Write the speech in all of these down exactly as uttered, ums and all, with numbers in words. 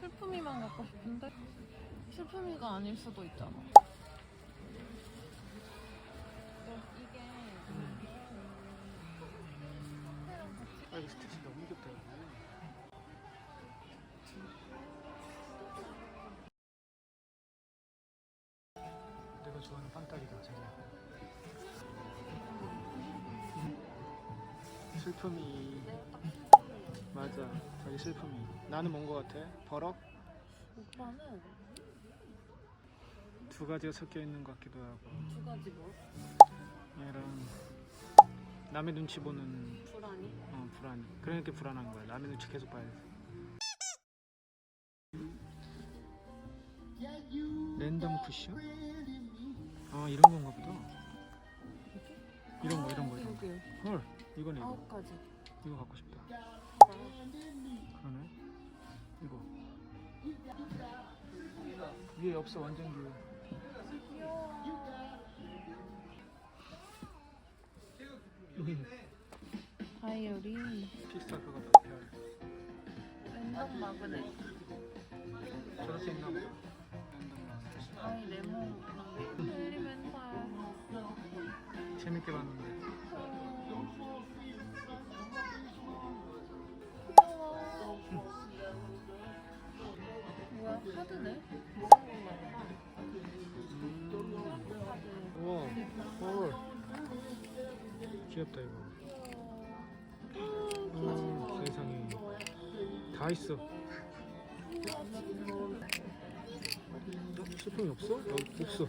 슬픔이만 갖고 싶은데 슬픔이가 아닐 수도 있잖아. 이게 아 이거 스티치 너무 귀엽다. 내가 좋아하는 빵딱이다 자기야. 슬픔이. 맞아 자기 슬픔이. 나는 뭔 거 같아? 버럭? 오빠는 두 가지가 섞여 있는 것 같기도 하고. 두 가지 뭐? 얘랑 남의 눈치 보는 불안이? 어 불안. 그러니까 불안한 거야. 남의 눈치 계속 봐야 돼. 랜덤 쿠션? 아 이런 건가 보다. 이런 거 이런 거 이런 거. 헐 이거네 이거. 아홉 가지. 이거 갖고 싶다. 그러네. 이거 위에 없어 완전 뷰. 여기 다이어리. 피스타 그거다. 별. 랜덤 마그넷. 저렇게 있나 보다. 아이 레몬. 에리멘탈. 재밌게 봤는데. 뭐야 카드네? 우와 헐 귀엽다 이거. 음, 세상에 다 있어. 스푼이 없어? 여기 없어.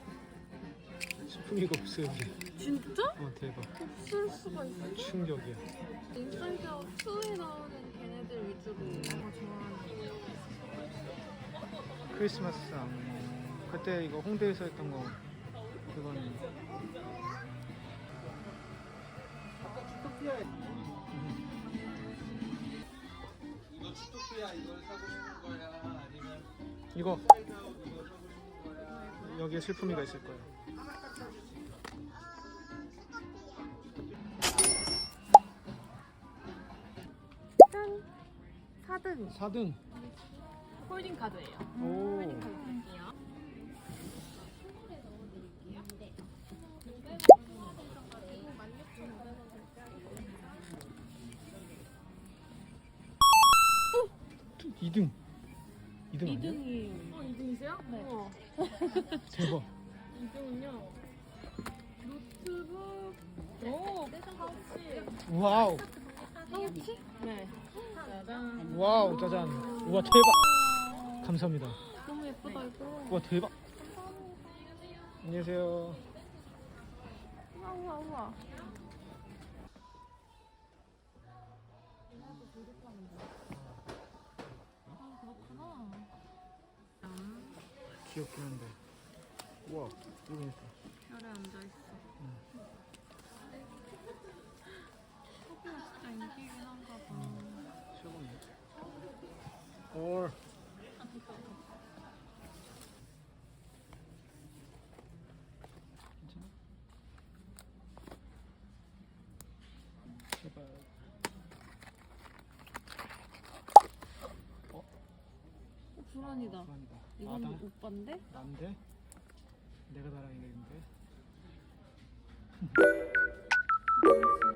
스푼이가 없어 여기. 진짜? 어 대박. 없을 수가 있어. 충격이야. 인사이드 아웃 이에 나오는 걔네들 위주로 내가 좋아하는 크리스마스 상. 그때 이거 홍대에서 했던 거 그거는. 이거 주토피아 이걸 사고 싶은 거야? 아니면 이거 이거 사고 싶은 거야? 여기에 슬픔이가 있을 거야. 짠! 사 등 사 등. 홀딩 카드예요. 오. 홀딩 카드 드릴게요. 이 등. 이 등 아니야? 이 등이 어, 이 등이세요? 네. 우와. 대박. 이 등은요. 노트북. 오, 파우치. 와우. 파우치? 네. 짜잔. 와우 짜잔. 우와 대박. 감사합니다. 너무 예쁘다 이거. 우와 대박. 안녕하세요. 우와 우와 우와. 아 그렇구나. 귀엽긴 한데. 우와 이거 있어. 별에 앉아 있어. 소피가 진짜 인기긴 한가 봐. 최고네. 올. 괜찮아? 제발. 어, 불안이다. 불안이다. 이건 나다. 오빠인데? 난데? 내가 달아야겠는데? 나이스.